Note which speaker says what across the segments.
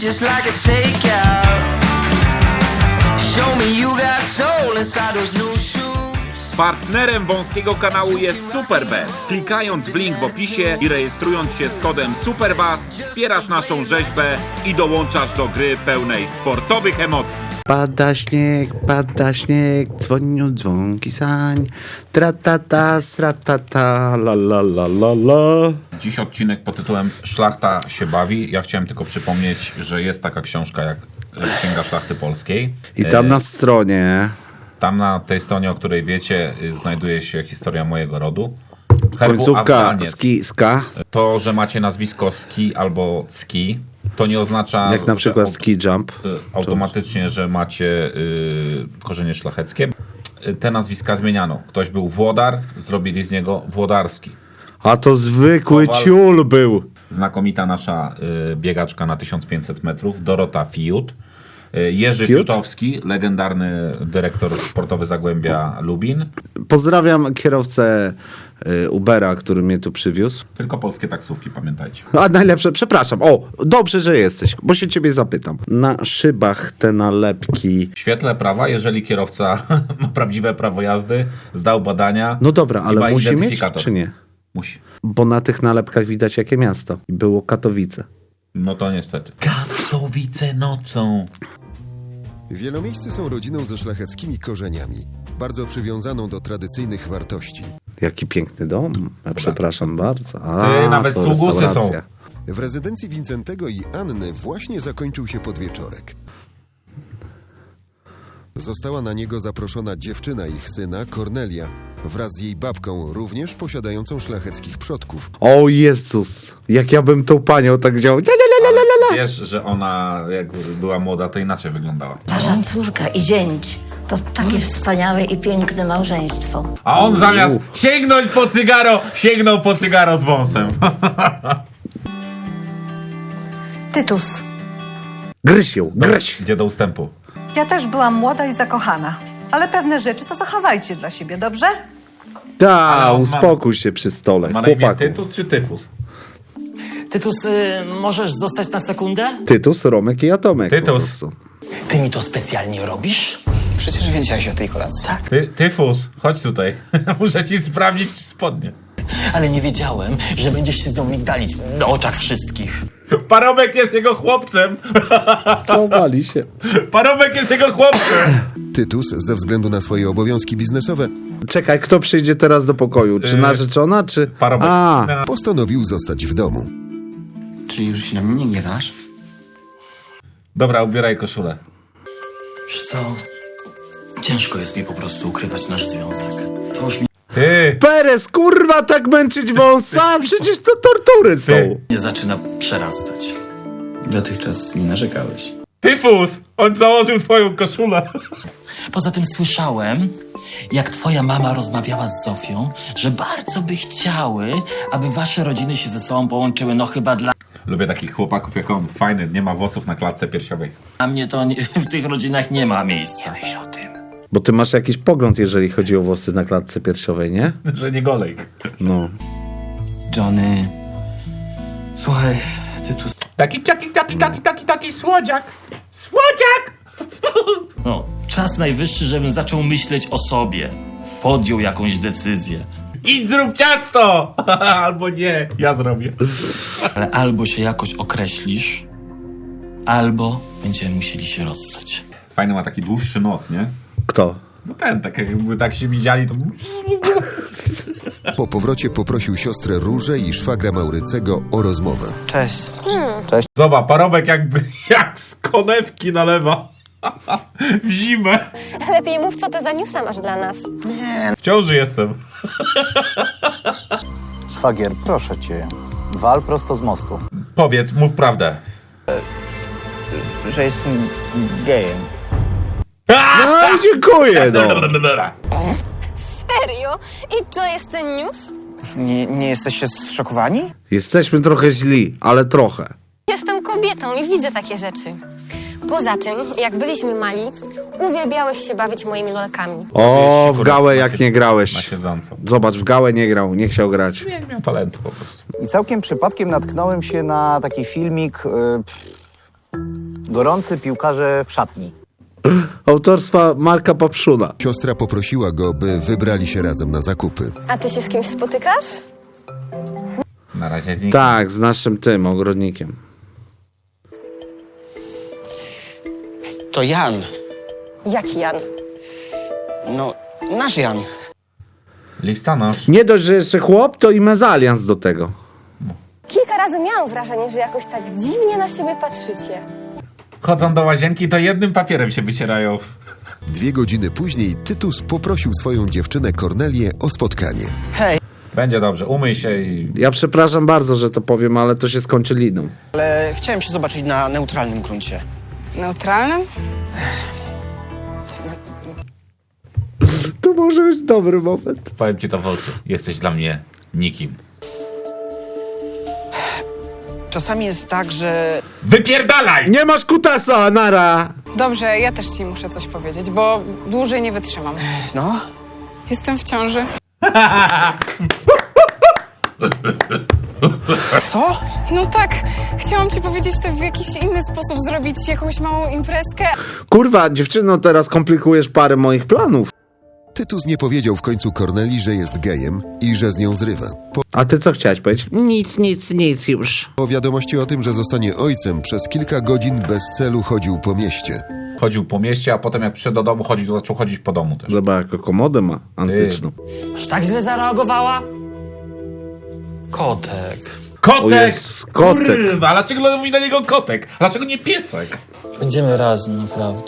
Speaker 1: just like it's takeout. Show me you got soul inside those new shoes.
Speaker 2: Partnerem wąskiego kanału jest Superbet. Klikając w link w opisie i rejestrując się z kodem SUPERBASS wspierasz naszą rzeźbę i dołączasz do gry pełnej sportowych emocji.
Speaker 3: Pada śnieg, dzwonią dzwonki sań. Tratata, stratata, la la la la la.
Speaker 2: Dziś odcinek pod tytułem Szlachta się bawi. Ja chciałem tylko przypomnieć, że jest taka książka jak Księga Szlachty Polskiej.
Speaker 3: I tam na stronie...
Speaker 2: Tam na tej stronie, o której wiecie, znajduje się historia mojego rodu.
Speaker 3: Końcówka ska.
Speaker 2: To, że macie nazwisko Ski albo Ski, to nie oznacza...
Speaker 3: Jak na przykład ski jump.
Speaker 2: Automatycznie, że macie korzenie szlacheckie. Te nazwiska zmieniano. Ktoś był Włodar, zrobili z niego Włodarski.
Speaker 3: A to zwykły ciul był.
Speaker 2: Znakomita nasza biegaczka na 1500 metrów, Dorota Fiut. Jerzy Fiutowski, legendarny dyrektor sportowy Zagłębia Lubin.
Speaker 3: Pozdrawiam kierowcę Ubera, który mnie tu przywiózł.
Speaker 2: Tylko polskie taksówki, pamiętajcie.
Speaker 3: A najlepsze, przepraszam. O, dobrze, że jesteś, bo się ciebie zapytam. Na szybach te nalepki.
Speaker 2: W świetle prawa, jeżeli kierowca ma prawdziwe prawo jazdy, zdał badania.
Speaker 3: No dobra, ale musi mieć,
Speaker 2: identyfikator.
Speaker 3: czy nie?
Speaker 2: Musi.
Speaker 3: Bo na tych nalepkach widać jakie miasto. Było Katowice.
Speaker 2: No to niestety. Katowice nocą.
Speaker 4: Wielomiejscy są rodziną ze szlacheckimi korzeniami, bardzo przywiązaną do tradycyjnych wartości.
Speaker 3: Jaki piękny dom. Ja przepraszam bardzo.
Speaker 2: Nawet
Speaker 3: to
Speaker 2: sługusy
Speaker 3: restauracja.
Speaker 4: W rezydencji Wincentego i Anny właśnie zakończył się podwieczorek. Została na niego zaproszona dziewczyna ich syna, Kornelia, wraz z jej babką, również posiadającą szlacheckich przodków.
Speaker 3: O Jezus, jak ja bym tą panią tak działał.
Speaker 2: Wiesz, że ona jak była młoda, to inaczej wyglądała.
Speaker 5: Wasza córka i zięć to takie wspaniałe i piękne małżeństwo.
Speaker 2: A on zamiast sięgnął po cygaro z wąsem.
Speaker 6: Tytus,
Speaker 3: Gryź ją, gryź.
Speaker 2: Idzie do ustępu.
Speaker 6: ja też byłam młoda i zakochana, ale pewne rzeczy to zachowajcie dla siebie, dobrze?
Speaker 3: Ta, uspokój się przy stole.
Speaker 2: Ma na imię
Speaker 3: Chłopaku.
Speaker 2: Tytus czy Tyfus?
Speaker 7: Tytus, możesz zostać na sekundę?
Speaker 3: Tytus, Romek i Atomek. po
Speaker 2: Tytus.
Speaker 3: prostu.
Speaker 7: Ty mi to specjalnie robisz?
Speaker 8: Przecież wiedziałeś o tej kolacji.
Speaker 7: Tak.
Speaker 2: Tyfus, chodź tutaj. Muszę ci sprawdzić spodnie.
Speaker 7: Ale nie wiedziałem, że będziesz się z nią migdalić na oczach wszystkich.
Speaker 2: Parobek jest jego chłopcem.
Speaker 3: Całowali się.
Speaker 2: Parobek jest jego chłopcem.
Speaker 4: Tytus, ze względu na swoje obowiązki biznesowe,
Speaker 3: Czekaj, kto przyjdzie teraz do pokoju? Czy narzeczona, czy...
Speaker 2: Parobek.
Speaker 4: postanowił zostać w domu.
Speaker 8: Czyli już się na mnie nie gniewasz?
Speaker 2: Dobra, ubieraj koszulę.
Speaker 7: Wiesz co? Ciężko jest mi po prostu ukrywać nasz związek. To już
Speaker 2: Ty!
Speaker 3: Perez, kurwa, tak męczyć wąsa? Przecież to tortury są.
Speaker 7: mnie zaczyna przerastać.
Speaker 8: Dotychczas nie narzekałeś.
Speaker 2: Tyfus! On założył twoją koszulę.
Speaker 7: Poza tym słyszałem, jak twoja mama rozmawiała z Zofią, że bardzo by chciały, aby wasze rodziny się ze sobą połączyły. No chyba dla
Speaker 2: Lubię takich chłopaków jak on. Fajny, nie ma włosów na klatce piersiowej.
Speaker 7: mnie to w tych rodzinach nie ma miejsca. Myśl o tym.
Speaker 3: Bo ty masz jakiś pogląd, jeżeli chodzi o włosy na klatce piersiowej, nie?
Speaker 2: Że nie golejk.
Speaker 3: No.
Speaker 8: Johnny... Słuchaj, Tytus...
Speaker 2: Taki słodziak. Słodziak!
Speaker 7: No, czas najwyższy, żebym zaczął myśleć o sobie. Podjął jakąś decyzję.
Speaker 2: Idź zrób ciasto! Albo nie, ja zrobię.
Speaker 7: Ale albo się jakoś określisz, albo będziemy musieli się rozstać.
Speaker 2: Fajny ma taki dłuższy nos, nie?
Speaker 3: Kto?
Speaker 2: No ten, tak jakby tak się widzieli, to...
Speaker 4: Po powrocie poprosił siostrę Różę i szwagra Maurycego o rozmowę.
Speaker 8: Cześć.
Speaker 2: Zobacz, parobek jak z konewki nalewa. W zimę.
Speaker 9: Lepiej mów, co ty za newsa masz dla nas.
Speaker 2: W ciąży jestem.
Speaker 10: Szwagier, proszę cię, wal prosto z mostu.
Speaker 2: Powiedz, mów prawdę.
Speaker 8: Że jestem gejem.
Speaker 3: No i dziękuję, no.
Speaker 9: Serio? I co jest ten news?
Speaker 8: Nie jesteście zszokowani?
Speaker 3: Jesteśmy trochę źli, ale trochę.
Speaker 9: Jestem kobietą i widzę takie rzeczy. Poza tym, jak byliśmy mali, uwielbiałeś się bawić moimi lolkami.
Speaker 3: O, w gałę jak nie
Speaker 2: Na
Speaker 3: grałeś.
Speaker 2: siedząco.
Speaker 3: Zobacz, w gałę nie grał, nie chciał grać.
Speaker 2: Nie miał talentu po prostu.
Speaker 10: I całkiem przypadkiem natknąłem się na taki filmik Gorący piłkarze w szatni.
Speaker 3: Autorstwa Marka Papszuna.
Speaker 4: Siostra poprosiła go, by wybrali się razem na zakupy.
Speaker 9: A ty się z kimś spotykasz?
Speaker 2: Na razie z nikim.
Speaker 3: Tak, z naszym tym ogrodnikiem.
Speaker 8: To Jan.
Speaker 9: Jaki Jan?
Speaker 8: No, nasz Jan.
Speaker 2: Listonosz.
Speaker 3: Nie dość, że jeszcze chłop, to i mezalians do tego.
Speaker 9: Kilka razy miałam wrażenie, że jakoś tak dziwnie na siebie patrzycie.
Speaker 2: Chodzą do łazienki, to jednym papierem się wycierają.
Speaker 4: 2 godziny później Tytus poprosił swoją dziewczynę Kornelię o spotkanie.
Speaker 8: Hej,
Speaker 2: Będzie dobrze, umyj się i...
Speaker 3: Ja przepraszam bardzo, że to powiem, ale to się skończy liną.
Speaker 8: ale chciałem się zobaczyć na neutralnym gruncie.
Speaker 6: Neutralnym?
Speaker 3: To może być dobry moment.
Speaker 2: Powiem ci to w oczy. Jesteś dla mnie nikim.
Speaker 8: Czasami jest tak, że...
Speaker 2: Wypierdalaj!
Speaker 3: Nie masz kutasa, nara!
Speaker 6: Dobrze, ja też ci muszę coś powiedzieć, bo dłużej nie wytrzymam.
Speaker 8: No?
Speaker 6: Jestem w ciąży.
Speaker 8: Co?
Speaker 6: No tak, chciałam ci powiedzieć to w jakiś inny sposób, zrobić jakąś małą imprezkę.
Speaker 3: Kurwa, dziewczyno, teraz komplikujesz parę moich planów.
Speaker 4: Tytus nie powiedział w końcu Kornelii, że jest gejem i że z nią zrywa.
Speaker 3: A ty co chciałeś powiedzieć? Nic już.
Speaker 4: Po wiadomości o tym, że zostanie ojcem, przez kilka godzin bez celu chodził po mieście.
Speaker 2: Chodził po mieście, a potem jak przyszedł do domu, zaczął chodzić po domu też.
Speaker 3: Zobacz, jaką komodę ma antyczną.
Speaker 7: Aż tak źle zareagowała? Kotek.
Speaker 2: Kotek!
Speaker 3: O jest, kotek.
Speaker 2: Kurwa, dlaczego mówi na niego kotek? Dlaczego nie piesek?
Speaker 7: Będziemy razem, naprawdę.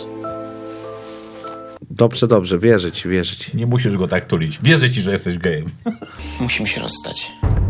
Speaker 3: Dobrze, wierzę ci.
Speaker 2: Nie musisz go tak tulić. Wierzę ci, że jesteś gejem.
Speaker 8: Musimy się rozstać.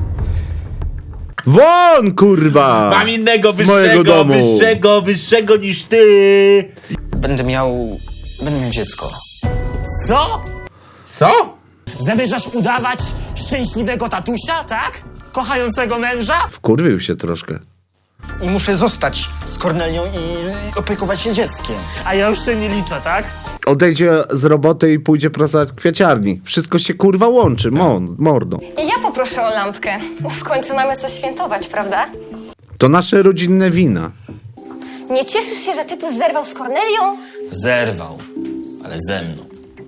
Speaker 3: Won, kurwa!
Speaker 2: Mam innego
Speaker 3: Z mojego domu.
Speaker 2: wyższego niż ty!
Speaker 8: Będę miał dziecko.
Speaker 7: Co?
Speaker 2: Co?
Speaker 7: Zamierzasz udawać szczęśliwego tatusia, tak? Kochającego męża?
Speaker 3: Wkurwił się troszkę.
Speaker 8: I muszę zostać z Kornelią i opiekować się dzieckiem.
Speaker 7: A ja już się nie liczę, tak?
Speaker 3: Odejdzie z roboty i pójdzie pracować w kwieciarni. Wszystko się kurwa łączy, mordo.
Speaker 9: I ja poproszę o lampkę. W końcu mamy coś świętować, prawda?
Speaker 3: To nasze rodzinne wina.
Speaker 9: Nie cieszysz się, że Tytus zerwał z Kornelią?
Speaker 7: Zerwał, ale ze mną.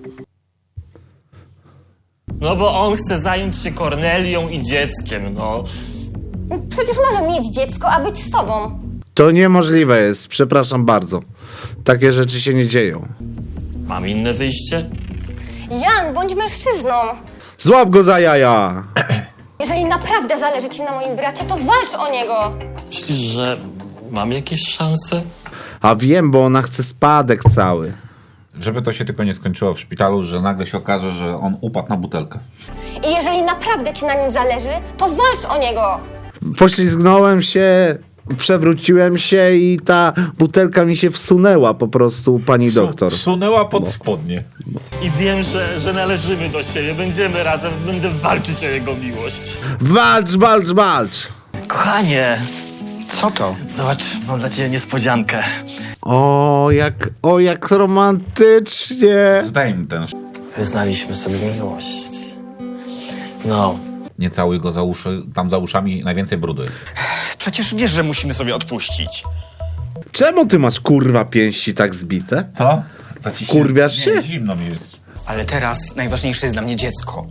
Speaker 7: No bo on chce zająć się Kornelią i dzieckiem, no.
Speaker 9: Przecież może mieć dziecko, a być z tobą.
Speaker 3: To niemożliwe jest, przepraszam bardzo. Takie rzeczy się nie dzieją.
Speaker 7: Mam inne wyjście?
Speaker 9: Jan, bądź mężczyzną.
Speaker 3: Złap go za jaja!
Speaker 9: Jeżeli naprawdę zależy ci na moim bracie, to walcz o niego.
Speaker 7: Myślisz, że mam jakieś szanse?
Speaker 3: A wiem, bo ona chce spadek cały.
Speaker 2: Żeby to się tylko nie skończyło w szpitalu, że nagle się okaże, że on upadł na butelkę.
Speaker 9: I jeżeli naprawdę ci na nim zależy, to walcz o niego.
Speaker 3: Poślizgnąłem się, przewróciłem się i ta butelka mi się wsunęła po prostu, pani doktor.
Speaker 2: Wsunęła pod spodnie.
Speaker 7: I wiem, że należymy do siebie, będziemy razem, będę walczyć o jego miłość.
Speaker 3: Walcz!
Speaker 7: Kochanie,
Speaker 8: Co to?
Speaker 7: zobacz, mam dla ciebie niespodziankę.
Speaker 3: O, jak romantycznie.
Speaker 2: Zdejm ten
Speaker 7: Wyznaliśmy sobie miłość. No,
Speaker 2: Nie całuj go za uszy, tam za uszami najwięcej brudu jest.
Speaker 8: Przecież wiesz, że musimy sobie odpuścić.
Speaker 3: Czemu ty masz kurwa pięści tak zbite?
Speaker 2: Co?
Speaker 3: Kurwiasz się?
Speaker 2: Nie, zimno mi jest.
Speaker 8: Ale teraz najważniejsze jest dla mnie dziecko.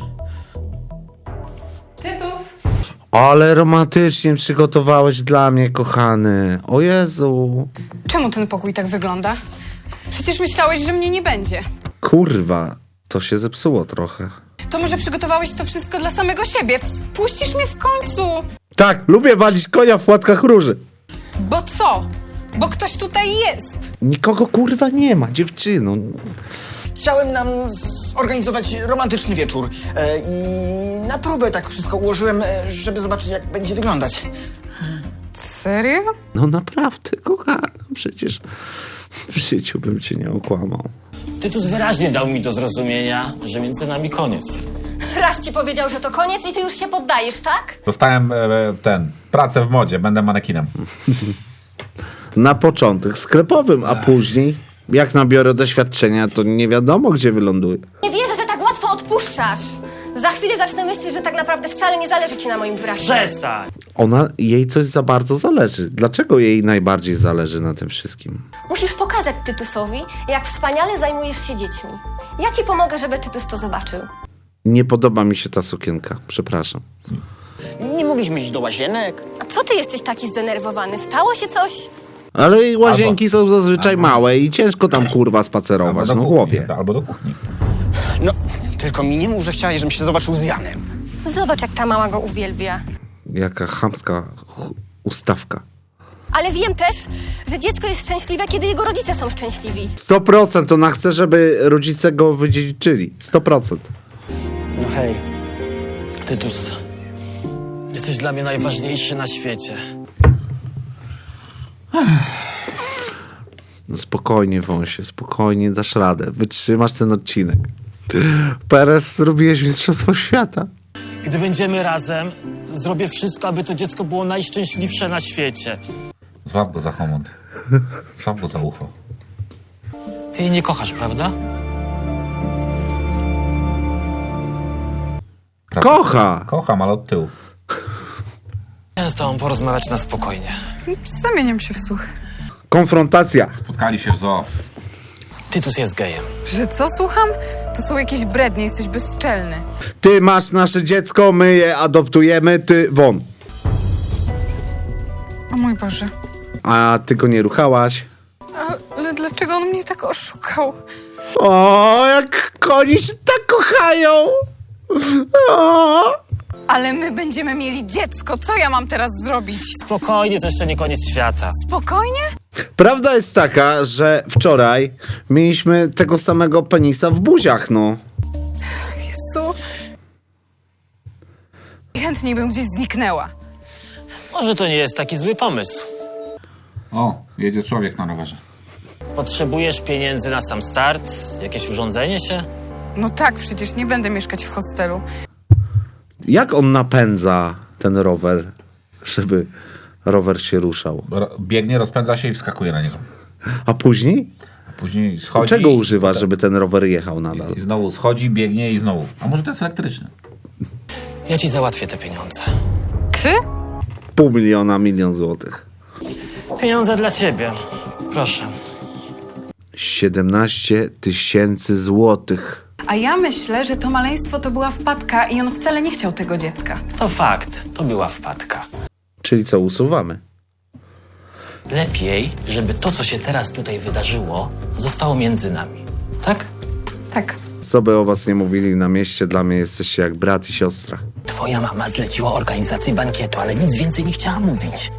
Speaker 3: Ale romantycznie przygotowałeś dla mnie, kochany. O Jezu.
Speaker 6: Czemu ten pokój tak wygląda? Przecież myślałeś, że mnie nie będzie.
Speaker 3: Kurwa, to się zepsuło trochę.
Speaker 6: To może przygotowałeś to wszystko dla samego siebie? Wpuścisz mnie w końcu!
Speaker 3: Tak, lubię walić konia w płatkach róży.
Speaker 6: Bo co? Bo ktoś tutaj jest!
Speaker 3: Nikogo kurwa nie ma, dziewczyno.
Speaker 8: Chciałem nam zorganizować romantyczny wieczór i na próbę tak wszystko ułożyłem, żeby zobaczyć, jak będzie wyglądać.
Speaker 6: Serio?
Speaker 3: No naprawdę, kochana, przecież w życiu bym cię nie okłamał.
Speaker 7: Tytus wyraźnie dał mi do zrozumienia, że między nami koniec.
Speaker 9: Raz ci powiedział, że to koniec i ty już się poddajesz, tak?
Speaker 2: Dostałem pracę w modzie, będę manekinem.
Speaker 3: Na początek sklepowym, a później, jak nabiorę doświadczenia, to nie wiadomo, gdzie wyląduję.
Speaker 9: Nie wierzę, że tak łatwo odpuszczasz. Za chwilę zacznę myśleć, że tak naprawdę wcale nie zależy ci na moim bracie.
Speaker 7: Przestań!
Speaker 3: Jej coś za bardzo zależy. Dlaczego jej najbardziej zależy na tym wszystkim?
Speaker 9: Musisz pokazać Tytusowi, jak wspaniale zajmujesz się dziećmi. Ja ci pomogę, żeby Tytus to zobaczył.
Speaker 3: Nie podoba mi się ta sukienka, przepraszam.
Speaker 8: Nie mogliśmy iść do łazienek?
Speaker 9: A co ty jesteś taki zdenerwowany? Stało się coś?
Speaker 3: Ale i łazienki są zazwyczaj małe i ciężko tam kurwa spacerować, no chłopie.
Speaker 2: Albo do kuchni.
Speaker 8: No, tylko mi nie mów, że chciałeś, żebym się zobaczył z Janem.
Speaker 9: Zobacz, jak ta mała go uwielbia.
Speaker 3: Jaka chamska ustawka.
Speaker 9: Ale wiem też, że dziecko jest szczęśliwe, kiedy jego rodzice są szczęśliwi.
Speaker 3: 100% ona chce, żeby rodzice go wydziedziczyli. 100%.
Speaker 8: No hej.
Speaker 7: Tytus, jesteś dla mnie najważniejszy na świecie.
Speaker 3: No spokojnie, Wąsie, spokojnie, dasz radę. Wytrzymasz ten odcinek. Perez, zrobiłeś mistrzostwo świata.
Speaker 7: Gdy będziemy razem, zrobię wszystko, aby to dziecko było najszczęśliwsze na świecie.
Speaker 2: Złap go za homont. Złap go za ucho.
Speaker 7: Ty jej nie kochasz, prawda?
Speaker 3: Kocha!
Speaker 2: Kocham, ale od tyłu.
Speaker 7: Chciałem z tobą porozmawiać na spokojnie.
Speaker 6: Zamieniam się w słuch.
Speaker 3: Konfrontacja.
Speaker 2: Spotkali się w zoo.
Speaker 7: Tytus jest gejem.
Speaker 6: Że co słucham? To są jakieś brednie, jesteś bezczelny.
Speaker 3: Ty masz nasze dziecko, my je adoptujemy, ty won.
Speaker 6: O mój Boże.
Speaker 3: A ty go nie ruchałaś.
Speaker 6: Ale dlaczego on mnie tak oszukał?
Speaker 3: O, jak koni się tak kochają. O.
Speaker 6: Ale my będziemy mieli dziecko. Co ja mam teraz zrobić?
Speaker 7: Spokojnie, to jeszcze nie koniec świata.
Speaker 6: Spokojnie?
Speaker 3: Prawda jest taka, że wczoraj mieliśmy tego samego penisa w buziach, no.
Speaker 6: Jezu. Chętniej bym gdzieś zniknęła.
Speaker 7: Może to nie jest taki zły pomysł.
Speaker 2: O, jedzie człowiek na rowerze.
Speaker 7: Potrzebujesz pieniędzy na sam start? Jakieś urządzenie się?
Speaker 6: No tak, przecież nie będę mieszkać w hostelu.
Speaker 3: Jak on napędza ten rower, żeby rower się ruszał?
Speaker 2: Biegnie, rozpędza się i wskakuje na niego.
Speaker 3: A później?
Speaker 2: A później schodzi.
Speaker 3: Czego używa, żeby ten rower jechał nadal?
Speaker 2: I znowu schodzi, biegnie i znowu. A może to jest elektryczny?
Speaker 7: Ja ci załatwię te pieniądze.
Speaker 6: Ty?
Speaker 3: 500 000, 1 000 000 złotych.
Speaker 7: Pieniądze dla ciebie. Proszę.
Speaker 3: 17 000 złotych.
Speaker 6: A ja myślę, że to maleństwo to była wpadka i on wcale nie chciał tego dziecka.
Speaker 7: To fakt, to była wpadka.
Speaker 3: Czyli co, usuwamy?
Speaker 7: Lepiej, żeby to, co się teraz tutaj wydarzyło, zostało między nami. Tak?
Speaker 6: Tak.
Speaker 3: Co by o was nie mówili na mieście, dla mnie jesteście jak brat i siostra.
Speaker 7: Twoja mama zleciła organizację bankietu, ale nic więcej nie chciała mówić.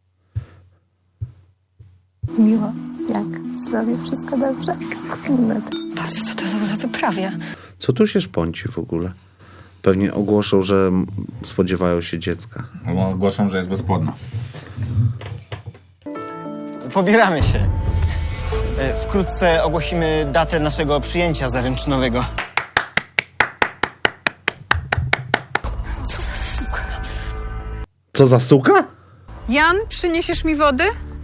Speaker 5: Miło, jak? Zdrowie, wszystko dobrze?
Speaker 9: Patrz, co to za wyprawia.
Speaker 3: Co tu się szpąci w ogóle? Pewnie ogłoszą, że spodziewają się dziecka.
Speaker 2: Albo ogłoszą, że jest bezpłodna.
Speaker 8: Pobieramy się. Wkrótce ogłosimy datę naszego przyjęcia zaręczynowego.
Speaker 3: Co za suka?
Speaker 6: Jan, przyniesiesz mi wody?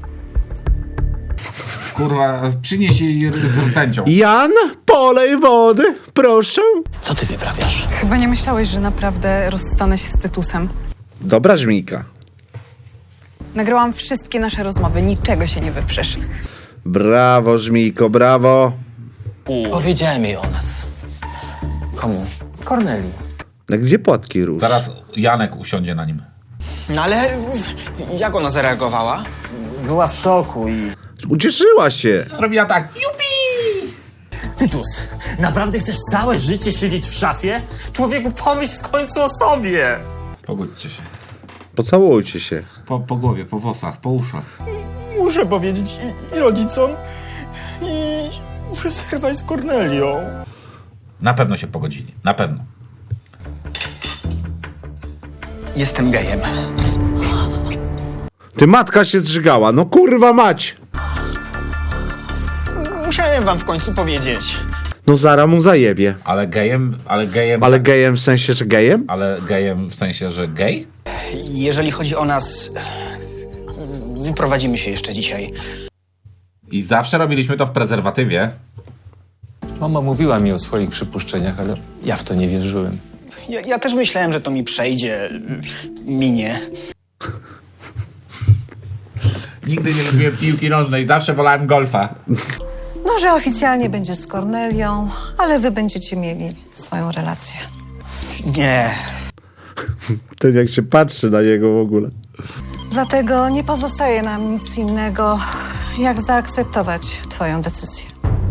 Speaker 2: Kurwa, przynieś jej z rtęcią.
Speaker 3: Jan, polej wody, proszę.
Speaker 7: Co ty wyprawiasz?
Speaker 6: Chyba nie myślałeś, że naprawdę rozstanę się z Tytusem.
Speaker 3: Dobra żmijka.
Speaker 6: Nagrałam wszystkie nasze rozmowy, niczego się nie wyprzesz.
Speaker 3: Brawo, żmijko, brawo.
Speaker 7: Powiedziałem jej o nas.
Speaker 8: Komu?
Speaker 7: Korneli.
Speaker 3: A gdzie płatki róż?
Speaker 2: Zaraz Janek usiądzie na nim.
Speaker 8: No ale jak ona zareagowała?
Speaker 7: Była w szoku i...
Speaker 3: Ucieszyła się.
Speaker 2: Zrobiła tak. Jupi!
Speaker 7: Tytus, naprawdę chcesz całe życie siedzieć w szafie? Człowieku, pomyśl w końcu o sobie!
Speaker 2: Pogódźcie się.
Speaker 3: Pocałujcie się.
Speaker 2: Po głowie, po włosach, po uszach.
Speaker 7: Muszę powiedzieć i rodzicom i muszę zerwać z Kornelią.
Speaker 2: Na pewno się pogodzili. Na pewno.
Speaker 8: Jestem gejem.
Speaker 3: Ty matka się zżygała, no kurwa mać.
Speaker 8: Musiałem wam w końcu powiedzieć.
Speaker 3: No Zara mu zajebie.
Speaker 2: Ale gejem...
Speaker 3: Ale gejem w sensie, że gejem?
Speaker 2: Ale gejem w sensie, że gej?
Speaker 8: Jeżeli chodzi o nas, wyprowadzimy się jeszcze dzisiaj.
Speaker 2: I zawsze robiliśmy to w prezerwatywie.
Speaker 11: Mama mówiła mi o swoich przypuszczeniach, ale ja w to nie wierzyłem.
Speaker 8: Ja też myślałem, że to mi przejdzie, minie.
Speaker 2: Nigdy nie lubiłem piłki nożnej, zawsze wolałem golfa.
Speaker 6: No, że oficjalnie będziesz z Kornelią, ale wy będziecie mieli swoją relację.
Speaker 8: Nie.
Speaker 3: Ten jak się patrzy na niego w ogóle.
Speaker 6: Dlatego nie pozostaje nam nic innego, jak zaakceptować twoją decyzję.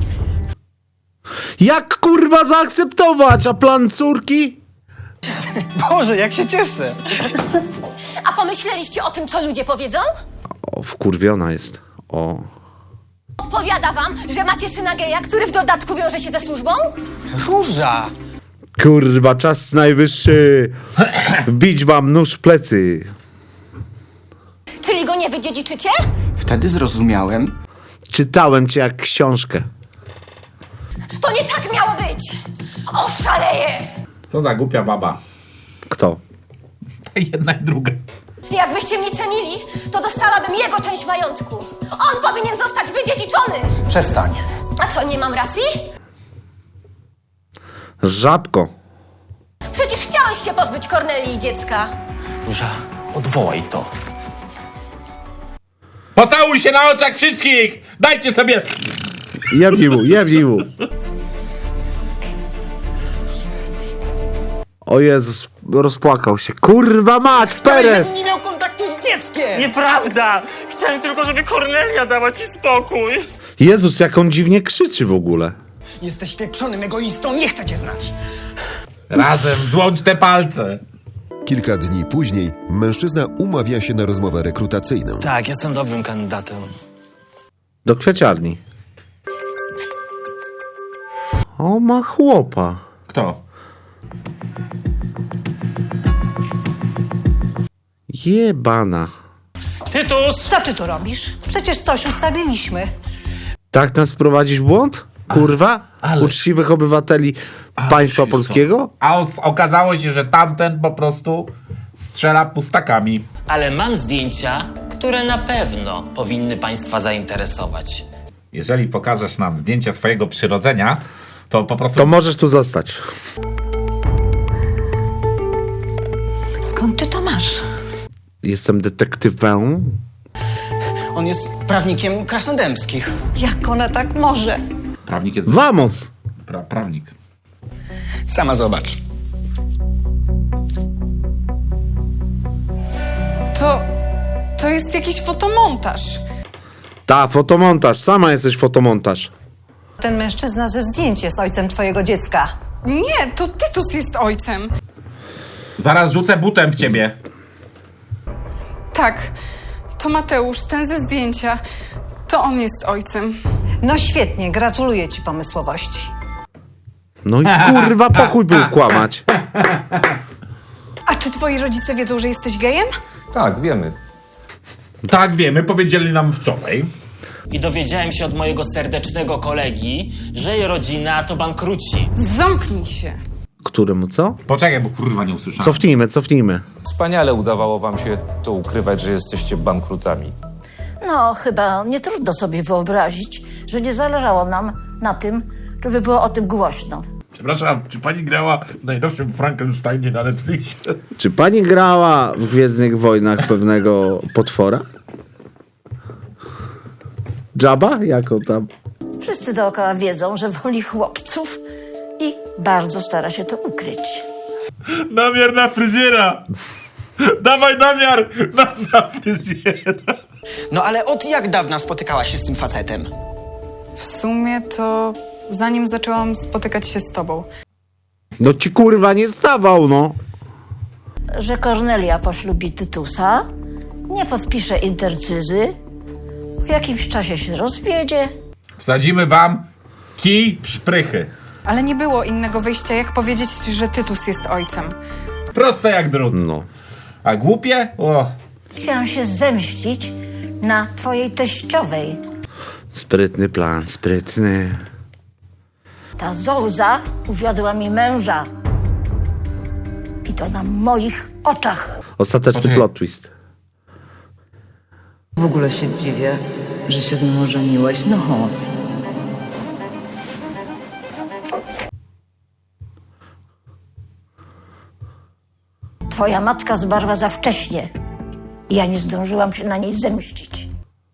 Speaker 3: Jak kurwa zaakceptować? A plan córki?
Speaker 8: Boże, jak się cieszę.
Speaker 9: A pomyśleliście o tym, co ludzie powiedzą?
Speaker 3: O, wkurwiona jest. O.
Speaker 9: Odpowiada wam, że macie syna geja, który w dodatku wiąże się ze służbą?
Speaker 8: Róża.
Speaker 3: Kurwa, czas najwyższy. Wbić wam nóż w plecy.
Speaker 9: Czyli go nie wydziedziczycie?
Speaker 8: Wtedy zrozumiałem.
Speaker 3: Czytałem cię jak książkę.
Speaker 9: To nie tak miało być! Oszaleję!
Speaker 2: Co za głupia baba.
Speaker 3: Kto?
Speaker 2: Jedna i druga.
Speaker 9: Jakbyście mnie cenili, to dostałabym jego część majątku. On powinien zostać wydziedziczony!
Speaker 8: Przestań.
Speaker 9: A co, nie mam racji?
Speaker 3: Żabko.
Speaker 9: Przecież chciałeś się pozbyć Kornelii i dziecka.
Speaker 7: Róża, odwołaj to.
Speaker 2: Pocałuj się na oczach wszystkich! Dajcie sobie...
Speaker 3: Jebnij mu, jebnij mu. O Jezus, rozpłakał się. Kurwa mać, Perez!
Speaker 8: Nie miał kontaktu z dzieckiem!
Speaker 7: Nieprawda! Chciałem tylko, żeby Kornelia dała ci spokój.
Speaker 3: Jezus, jak on dziwnie krzyczy w ogóle.
Speaker 8: Jesteś pieprzonym egoistą, nie chcę cię znać.
Speaker 2: Razem złącz te palce.
Speaker 4: Kilka dni później mężczyzna umawia się na rozmowę rekrutacyjną.
Speaker 7: Tak, jestem dobrym kandydatem.
Speaker 3: Do kwieciarni. O, ma chłopa.
Speaker 2: Kto?
Speaker 3: Jebana.
Speaker 7: Tytus!
Speaker 6: Co ty tu robisz? Przecież coś ustaliliśmy.
Speaker 3: Tak nas prowadzisz w błąd? Kurwa?
Speaker 2: ale-
Speaker 3: Uczciwych obywateli państwa polskiego?
Speaker 2: A okazało się, że tamten po prostu strzela pustakami.
Speaker 7: Ale mam zdjęcia, które na pewno powinny państwa zainteresować.
Speaker 2: Jeżeli pokażesz nam zdjęcia swojego przyrodzenia, to po prostu...
Speaker 3: To możesz tu zostać.
Speaker 6: Skąd ty to masz?
Speaker 3: Jestem detektywem.
Speaker 8: On jest prawnikiem krasnodębskich.
Speaker 6: Jak ona tak może?
Speaker 2: Prawnik jest...
Speaker 3: Vamos!
Speaker 2: Prawnik.
Speaker 8: Sama zobacz.
Speaker 12: To jest jakiś fotomontaż.
Speaker 3: Ta, fotomontaż. Sama jesteś fotomontaż.
Speaker 6: Ten mężczyzna ze zdjęć jest ojcem twojego dziecka.
Speaker 12: Nie, to Tytus jest ojcem.
Speaker 2: Zaraz rzucę butem w ciebie.
Speaker 12: Tak, to Mateusz, ten ze zdjęcia. To on jest ojcem.
Speaker 6: No świetnie, gratuluję ci pomysłowości.
Speaker 3: No i kurwa, pokój był kłamać.
Speaker 12: A czy twoi rodzice wiedzą, że jesteś gejem?
Speaker 11: Tak, wiemy.
Speaker 2: Tak, wiemy, powiedzieli nam wczoraj.
Speaker 7: I dowiedziałem się od mojego serdecznego kolegi, że jej rodzina to bankruci.
Speaker 12: Zamknij się.
Speaker 3: Któremu co?
Speaker 2: Poczekaj, bo kurwa nie usłyszałem.
Speaker 3: Cofnijmy.
Speaker 11: Wspaniale udawało wam się to ukrywać, że jesteście bankrutami.
Speaker 5: No, chyba nie trudno sobie wyobrazić, że nie zależało nam na tym, żeby było o tym głośno.
Speaker 2: Przepraszam, czy pani grała w najnowszym Frankensteinie na Netflixie?
Speaker 3: Czy pani grała w Gwiezdnych Wojnach pewnego potwora? Jabba? Jako tam?
Speaker 5: Wszyscy dookoła wiedzą, że woli chłopców i bardzo stara się to ukryć.
Speaker 2: Namiar na fryzjera! Dawaj namiar na fryzjera!
Speaker 8: No ale od jak dawna spotykałaś się z tym facetem?
Speaker 12: W sumie to zanim zaczęłam spotykać się z tobą.
Speaker 3: No ci kurwa nie stawał, no.
Speaker 5: Że Kornelia poślubi Tytusa, nie podpisze intercyzy, w jakimś czasie się rozwiedzie.
Speaker 2: Wsadzimy wam kij w szprychy.
Speaker 12: Ale nie było innego wyjścia, jak powiedzieć, że Tytus jest ojcem.
Speaker 2: Proste jak drut.
Speaker 3: No.
Speaker 2: A głupie? O.
Speaker 5: Chciałam się zemścić na twojej teściowej.
Speaker 3: Sprytny plan, sprytny.
Speaker 5: Ta Zouza uwiodła mi męża. I to na moich oczach.
Speaker 3: Ostateczny
Speaker 2: Poczekaj.
Speaker 3: plot twist.
Speaker 13: W ogóle się dziwię, że się z mną żeniłeś. No chodź.
Speaker 5: Twoja matka zmarła za wcześnie. I ja nie zdążyłam się na niej zemścić.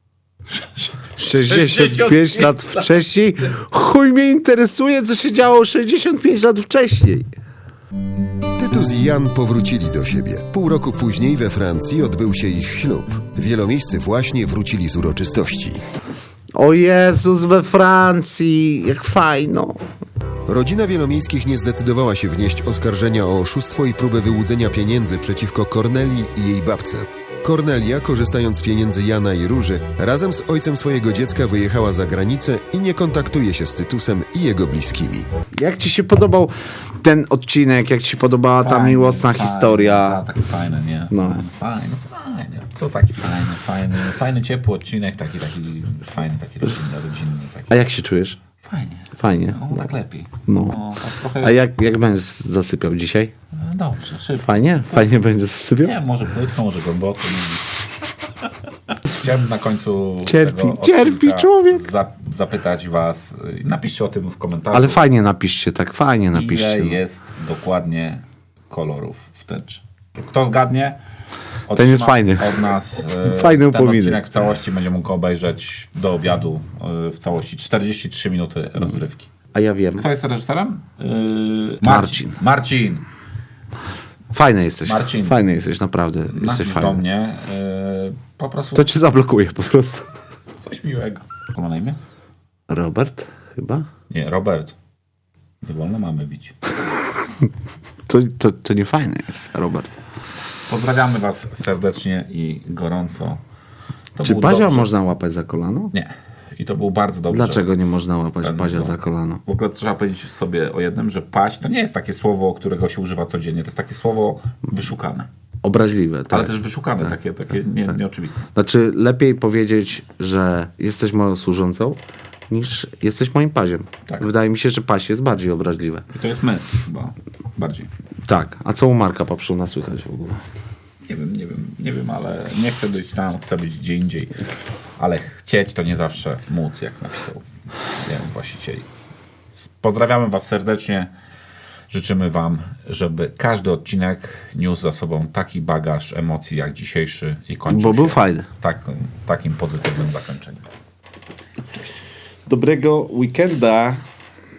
Speaker 3: 65 lat wcześniej? Chuj mnie interesuje, co się działo 65 lat wcześniej.
Speaker 4: Tytus i Jan powrócili do siebie. Pół roku później we Francji odbył się ich ślub. Wielomiejscy właśnie wrócili z uroczystości.
Speaker 3: O Jezus, we Francji, jak fajno.
Speaker 4: Rodzina Wielomiejskich nie zdecydowała się wnieść oskarżenia o oszustwo i próbę wyłudzenia pieniędzy przeciwko Kornelii i jej babce. Kornelia, korzystając z pieniędzy Jana i Róży, razem z ojcem swojego dziecka wyjechała za granicę i nie kontaktuje się z Tytusem i jego bliskimi.
Speaker 3: Jak ci się podobał ten odcinek? Jak ci się podobała ta miłosna historia?
Speaker 2: Taki fajny, nie?
Speaker 3: No.
Speaker 2: Fajny. To taki fajny, ciepły odcinek, taki fajny, taki rodzinny. Taki.
Speaker 3: A jak się czujesz? Fajnie.
Speaker 2: No, tak lepiej.
Speaker 3: No.
Speaker 2: Tak trochę...
Speaker 3: A jak będziesz zasypiał dzisiaj?
Speaker 2: Dobrze, szybko.
Speaker 3: Fajnie będzie zasypiał?
Speaker 2: Nie, może płytko, może głęboko. Chciałbym na końcu
Speaker 3: Cierpi człowiek.
Speaker 2: zapytać was, napiszcie o tym w komentarzu.
Speaker 3: Ale fajnie napiszcie, tak fajnie napiszcie.
Speaker 2: Ile jest dokładnie kolorów w tęczy? Kto zgadnie?
Speaker 3: Ten jest fajny.
Speaker 2: Od nas
Speaker 3: fajny
Speaker 2: ten
Speaker 3: upominek.
Speaker 2: odcinek w całości będzie mógł obejrzeć do obiadu w całości. 43 minuty rozrywki.
Speaker 3: A ja wiem.
Speaker 2: Kto jest reżyserem?
Speaker 3: Marcin. Fajny jesteś.
Speaker 2: Marcin.
Speaker 3: Fajny jesteś, naprawdę. Jesteś fajny.
Speaker 2: Do mnie. Po prostu...
Speaker 3: To cię zablokuje po prostu.
Speaker 2: Coś miłego. Jak ma na imię?
Speaker 3: Robert chyba?
Speaker 2: Nie, Robert. Nie wolno mamy bić.
Speaker 3: To nie fajne jest, Robert.
Speaker 2: Pozdrawiamy was serdecznie i gorąco.
Speaker 3: Czy Bazia można łapać za kolano?
Speaker 2: Nie. I to był bardzo dobry.
Speaker 3: Dlaczego nie można łapać Bazia za kolano?
Speaker 2: W ogóle trzeba powiedzieć sobie o jednym, że paść to nie jest takie słowo, którego się używa codziennie. To jest takie słowo wyszukane.
Speaker 3: Obraźliwe. Tak.
Speaker 2: Ale też wyszukane, takie nieoczywiste.
Speaker 3: Znaczy lepiej powiedzieć, że jesteś moją służącą, niż jesteś moim paziem.
Speaker 2: Tak.
Speaker 3: Wydaje mi się, że paź jest bardziej obraźliwe.
Speaker 2: I to jest męski chyba bardziej.
Speaker 3: Tak. A co u Marka Papszuna słychać w ogóle?
Speaker 2: Nie wiem, ale nie chcę być tam, chcę być gdzie indziej. Ale chcieć to nie zawsze móc, jak napisał jeden z właścicieli. Pozdrawiamy was serdecznie. Życzymy wam, żeby każdy odcinek niósł za sobą taki bagaż emocji jak dzisiejszy i kończył
Speaker 3: był fajny.
Speaker 2: Takim pozytywnym zakończeniem. Cześć.
Speaker 3: Dobrego weekenda.